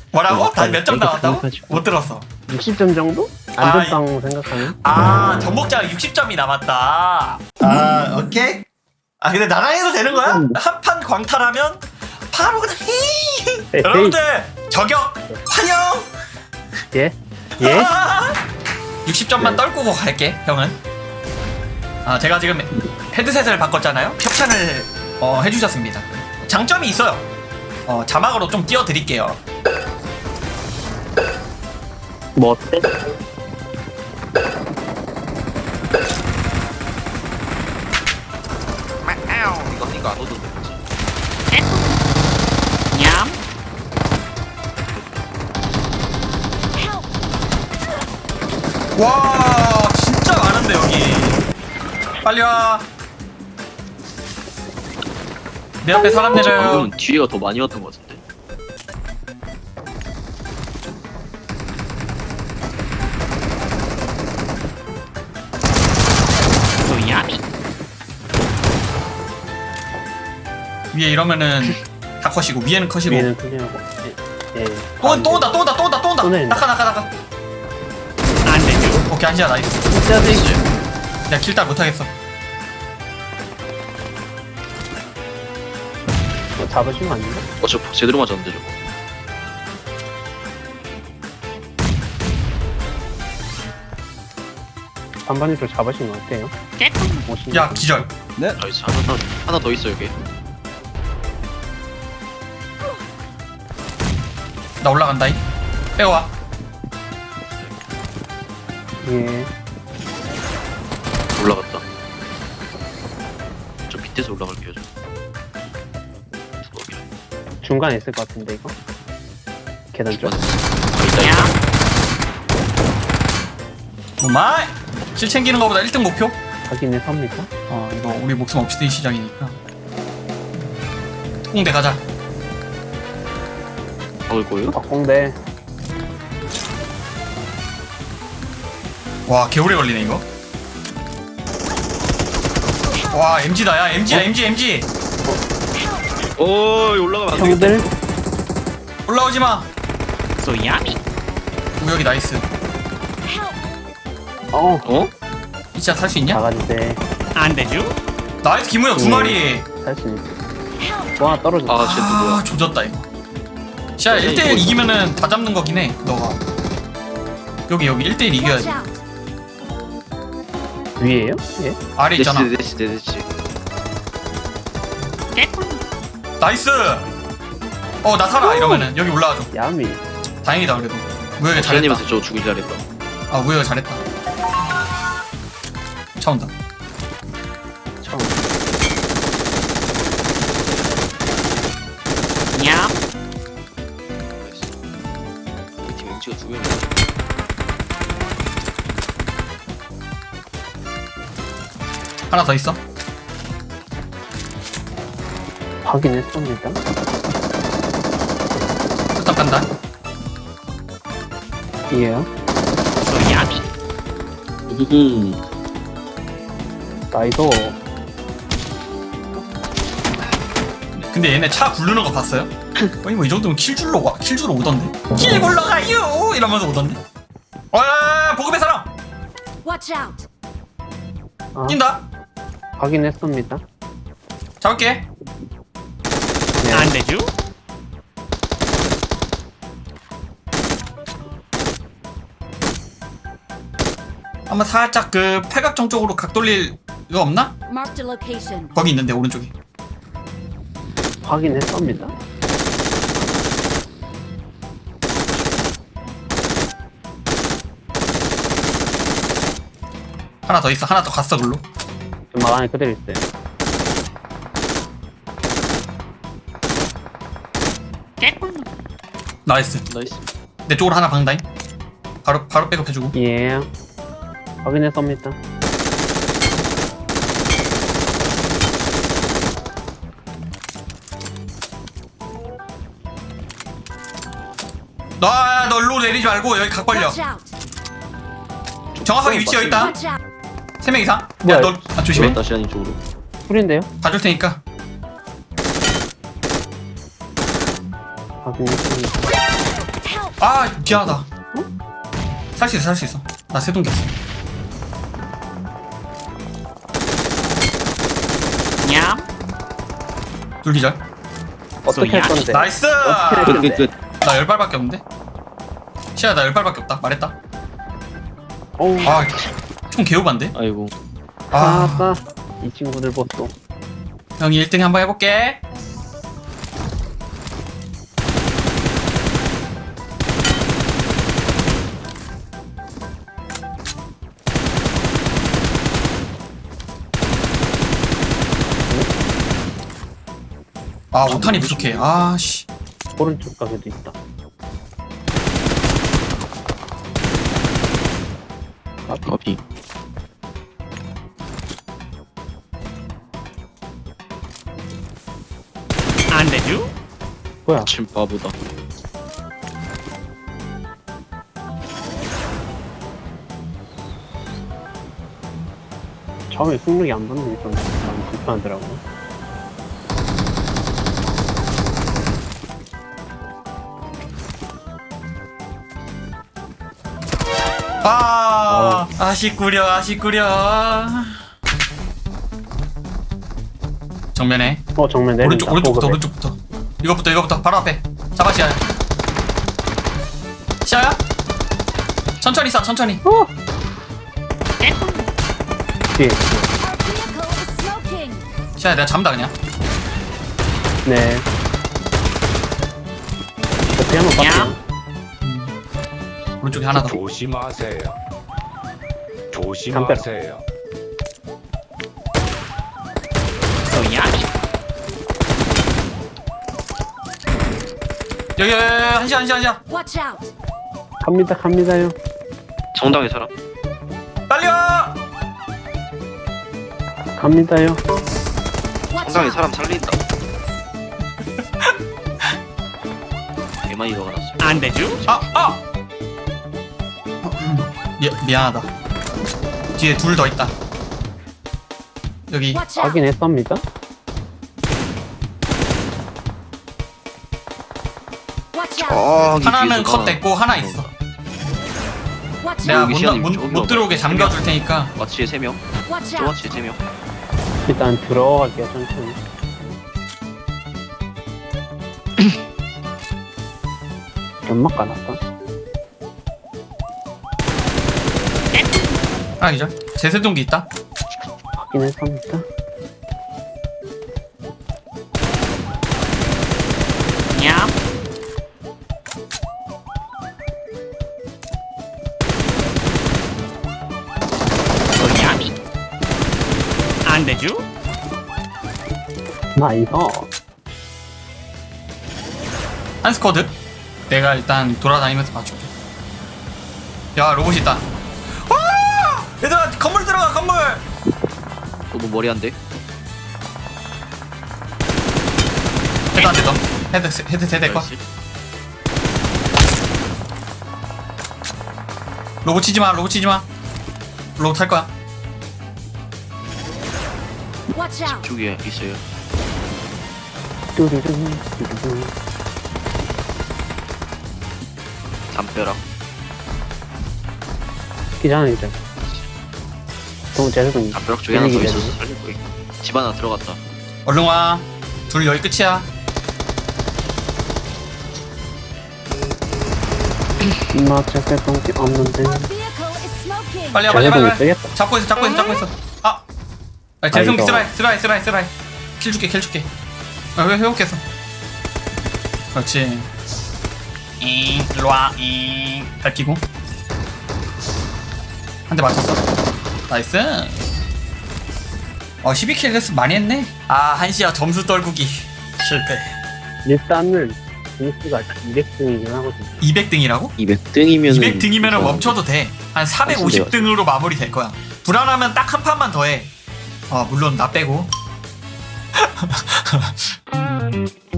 뭐라고? 다 몇 점 나왔다고? 못 들었어. 60점 정도? 안전빵 생각하면? 전복자가 60점이 남았다. 오케이. 근데 나랑해도 되는 거야? 한 판 광탈하면 바로 그냥 여러분들 저격 환영. 예? 예? 60점만 떨구고 갈게 형은. 제가 지금 헤드셋을 바꿨잖아요. 협찬을 해주셨습니다. 장점이 있어요. 자막으로 좀 띄워드릴게요. 뭐 어때? 이거 안 오던데 그치? 와 진짜 많은데 여기. 빨리 와. 내 앞에 사람 내려요. 방금은 뒤에가 더 많이 왔던 것 같은데. 위에 이러면은 다 컷이고 위에는 컷이고. 위에는 클리어하고. 예. 또 온다. 또 내린다. 나가. 오케이 한시야 나이스. 진짜 돼. 내가 킬딸 못하겠어. 잡으시면 안 돼요? 저 제대로 맞았는데 저거. 반반이도 잡으시면 어때요? 오시면. 야 기절. 나이스 하나 더 있어 여기. 나 올라간다잉. 빼와. 예. 올라갔다. 저 밑에서 올라갈게요 저. 두벅이랑. 중간에 있을 것 같은데 이거? 계단 쪽? 있다. 마이. 실 챙기는 거보다 1등 목표? 확인해 섭니다. 이거 우리 목숨 없이 든 시작이니까. 특공대 가자. 박을 거예요? 박공대. 와 개오래 걸리네 이거. 와 MG다 야 MG야 MG. 올라가면 안 되겠다. 형들 올라오지마. 우혁이 나이스. 어? 진짜 살 수 있냐? 나가주세. 나이스 김우혁 두 마리. 살수 있어. 와 떨어졌다. 아 쟤 누구야? 조졌다 이거. 자 1대1 이기면은 다 잡는 거긴 해 너가. 여기 1대1 이겨야지. 위에요? 예? 아래 있잖아. 네시. 나이스. 나 살아 이러면은 여기 올라와줘. 야미. 다행이다 그래도. 우혁이 잘했다. 자연님한테 저 주길 잘했다. 우혁이 잘했다. 차 온다. 처음. 나이스. 우리 팀 MG가 두 명이야. 하나 더 있어. 확인했습니다. 뚝딱 간다. 이에요. 나이도. 근데 얘네 차 굴르는 거 봤어요? 아니 뭐 이 정도면 킬줄로 오던데. 킬 굴러가요 이러면서 오던데. 보급의 사람 Watch out! 뛴다. 확인했습니다. 잡을게. 네. 한번 살짝 그 팔각정 쪽으로 각 돌릴 이거 없나? Marked a location. 거기 있는데 오른쪽에. 확인했습니다. 하나 더 있어. 하나 더 갔어 글로. 막 안에 그대로 있어요. 나이스. 내 쪽으로 하나 방다잉. 바로 백업해주고. 예. 확인했습니다. 너 일로 내리지 말고 여기 각 벌려. Watch out! 정확하게 위치 여기 있다. Watch out! 3명 이상. 뭐야, 야, 너 조심해. 다시 아닌 쪽으로. 풀인데요? 봐줄 테니까. 확인했습니다. 아 미안하다. 살 수 있어 살 수 있어. 나 세동기 있어. 냠. 둘기절. 어떻게 할 건데? 나이스. 어떻게 할 건데? 끝. 나 10발밖에 없는데? 시야 나 10발밖에 없다 말했다. 어우, 총 개우반데? 아이고. 아빠. 이 친구들 보소. 형이 1등 한번 해볼게. 아 5탄이 부족해. 아씨. 오른쪽 가게도 있다. 커피. 안 되죠? 뭐야? 침 바보다. 처음에 승력이 안 붙는 게 좀 많이 불편하더라고. 아쉽구려 아쉽구려. 정면에 정면 내린다. 오른쪽부터 보급에. 오른쪽부터 이거부터 바로 앞에 잡아. 시야야 시야야 천천히 쏴 천천히. 뒤에. Our vehicle is smoking. 시야야 내가 잡는다 그냥. 네. 옆에 한번 봤어. 오른쪽에 하나 더. 조심하세요. 조심하세요. 소야. 여기 한시야 Watch out. 갑니다요. 정당의 사람. 빨리 와. 갑니다요. Watch 정당의 out. 사람 살린다. 개많이 넣어놨어. 안 되죠? 미안하다. 뒤에 둘 더 있다. 여기 Watch out. 확인했습니다. Watch out. 하나는 컷 됐고 하나 있어. Watch 내가 out. 여기 시간이 좀 못 들어오게 잠가줄 테니까. 마치에 3명. Watch 또 out. 마치에 3명. 일단 들어갈게요, 천천히. 연막 까놨다. 하나 기절. 제세동기 있다. 확인했습니다. 냠. 소야미. 안 되죠? 나이스. 한 스쿼드. 내가 일단 돌아다니면서 봐줄게. 야 로봇 있다. 와! 얘들아 건물 들어가 건물. 너무 머리 안 돼. 헤드 안 되던. 헤드 세대 거. 로봇 치지 마. 로봇 탈 거야. Watch out. 쪽에 있어요. 뚜루루, 뚜루루. 담벼락. 기자는 이제. 또 제대로 담벼락 쪽에 하나 더 기다리기 있었어. 살릴 거야. 집 하나 들어갔다. 얼른 와. 둘 여기 끝이야. 맞출 때 동기 없는데. Our vehicle is smoking. 빨리 와 제대로 쓰겠다. 잡고 있어. 아. 재성기 쓰라이. 킬 줄게. 왜 회복했어? 그렇지. 일로와. 밟히고. 한 대 맞췄어. 나이스. 12킬 레스 많이 했네. 한시야 점수 떨구기 실패. 일단은 등수가 200등이긴 하거든. 200등이라고? 200등이면은 200등이면 멈춰도 돼. 한 450등으로 마무리 될 거야. 불안하면 딱 한 판만 더 해. 물론 나 빼고.